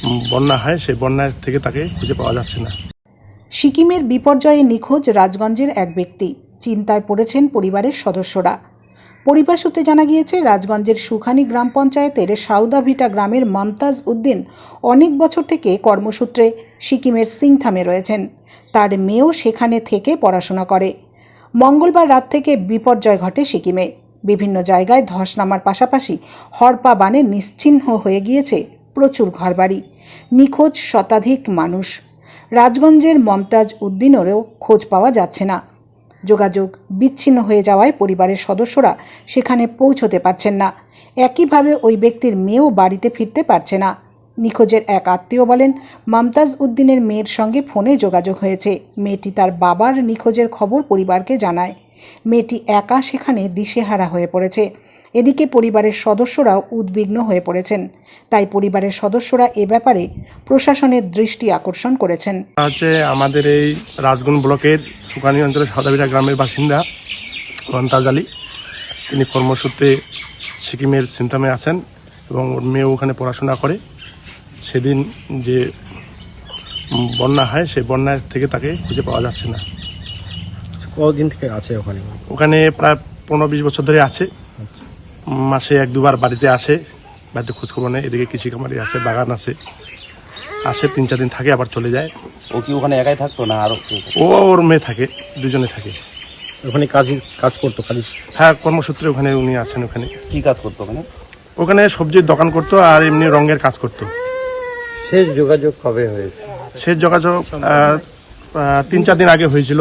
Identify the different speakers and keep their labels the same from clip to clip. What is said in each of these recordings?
Speaker 1: বন্যা হয়, সেই বন্যার থেকে তাকে খুঁজে পাওয়া যাচ্ছে না।
Speaker 2: সিকিমের বিপর্যয়ে নিখোঁজ রাজগঞ্জের এক ব্যক্তি। চিন্তায় পড়েছেন পরিবারের সদস্যরা। পরিবার সূত্রে জানা গিয়েছে, রাজগঞ্জের সুখানি গ্রাম পঞ্চায়েতের সাউদাভিটা গ্রামের মমতাজ উদ্দিন অনেক বছর থেকে কর্মসূত্রে সিকিমের সিংথামে রয়েছেন। তার মেয়েও সেখানে থেকে পড়াশোনা করে। মঙ্গলবার রাত থেকে বিপর্যয় ঘটে সিকিমে। বিভিন্ন জায়গায় ধস নামার পাশাপাশি হড়পা বানে নিশ্চিহ্ন হয়ে গিয়েছে প্রচুর ঘরবাড়ি। নিখোঁজ শতাধিক মানুষ। রাজগঞ্জের মমতাজ উদ্দিনেরও খোঁজ পাওয়া যাচ্ছে না। যোগাযোগ বিচ্ছিন্ন হয়ে যাওয়ায় পরিবারের সদস্যরা সেখানে পৌঁছতে পারছেন না। একইভাবে ওই ব্যক্তির মেয়েও বাড়িতে ফিরতে পারছে না। নিখোঁজের এক আত্মীয় বলেন, মমতাজ উদ্দিনের মেয়ের সঙ্গে ফোনে যোগাযোগ হয়েছে। মেয়েটি তার বাবার নিখোঁজের খবর পরিবারকে জানায়। মেয়েটি একা সেখানে দিশেহারা হয়ে পড়েছে। এদিকে পরিবারের সদস্যরাও উদ্বিগ্ন হয়ে পড়েছেন। তাই পরিবারের সদস্যরা এ ব্যাপারে প্রশাসনের দৃষ্টি আকর্ষণ করেছেন।
Speaker 1: আমাদের এই রাজগঞ্জ ব্লকের সুখানি অঞ্চলের সাউদাভিটা গ্রামের বাসিন্দা মমতাজ আলী। তিনি কর্মসূত্রে সিকিমের সিংথামে আছেন এবং ওর মেয়ে ওখানে পড়াশোনা করে। সেদিন যে বন্যা হয়, সেই বন্যার থেকে তাকে খুঁজে পাওয়া যাচ্ছে না।
Speaker 3: কতদিন থেকে আছে ওখানে?
Speaker 1: ওখানে প্রায় 15-20 বছর ধরে আছে। মাসে 1-2 বার বাড়িতে আসে, বাড়িতে খোঁজখবর নেয়। এদিকে কৃষি খামারি আছে, বাগান আছে, আসে 3-4 দিন থাকে, আবার চলে যায়।
Speaker 3: ও কি ওখানে একাই থাকতো না আরো?
Speaker 1: ও ওর মেয়ে থাকে, দুজনে থাকে।
Speaker 3: ওখানে কাজ করতো খালি?
Speaker 1: হ্যাঁ, কর্মসূত্রে ওখানে উনি আছেন। ওখানে
Speaker 3: কি কাজ করতো ওখানে?
Speaker 1: ওখানে সবজির দোকান করতো আর এমনি রঙের কাজ করতো।
Speaker 3: শেষ যোগাযোগ কবে হয়েছে?
Speaker 1: শেষ যোগাযোগ 3-4 দিন আগে হয়েছিল।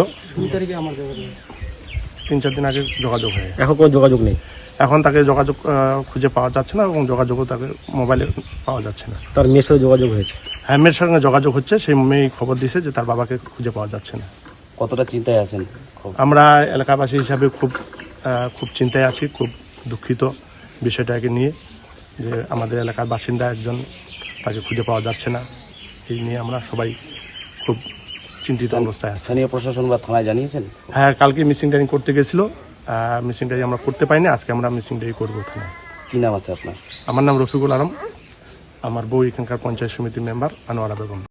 Speaker 1: 3-4 দিন আগে যোগাযোগ হয়।
Speaker 3: এখন কোনো যোগাযোগ নেই?
Speaker 1: এখন তাকে যোগাযোগ খুঁজে পাওয়া যাচ্ছে না এবং যোগাযোগও তাকে মোবাইলে পাওয়া যাচ্ছে না।
Speaker 3: তার মেয়ের সাথে যোগাযোগ হয়েছে?
Speaker 1: হ্যাঁ, মেয়ের সঙ্গে যোগাযোগ হচ্ছে। সেই মেয়ে খবর দিয়েছে যে তার বাবাকে খুঁজে পাওয়া যাচ্ছে না।
Speaker 3: কতটা চিন্তায় আছেন?
Speaker 1: আমরা এলাকাবাসী হিসাবে খুব চিন্তায় আছি, খুব দুঃখিত বিষয়টাকে নিয়ে, যে আমাদের এলাকার বাসিন্দা একজন, তাকে খুঁজে পাওয়া যাচ্ছে না। এই নিয়ে আমরা সবাই খুব চিন্তিত অবস্থায় আছি।
Speaker 3: স্থানীয় প্রশাসন বা থানায় জানিয়েছেন?
Speaker 1: হ্যাঁ, কালকে মিসিং ডায়েরি করতে গেছিলো। মিসিং ডায়েরি আমরা করতে পাইনি। আজকে আমরা মিসিং ডায়েরি করবো থানায়।
Speaker 3: কি নাম আছে আপনার?
Speaker 1: আমার নাম রফিকুল আলম। আমার বউ এখানকার পঞ্চায়েত সমিতির মেম্বার আনোয়ারা বেগম।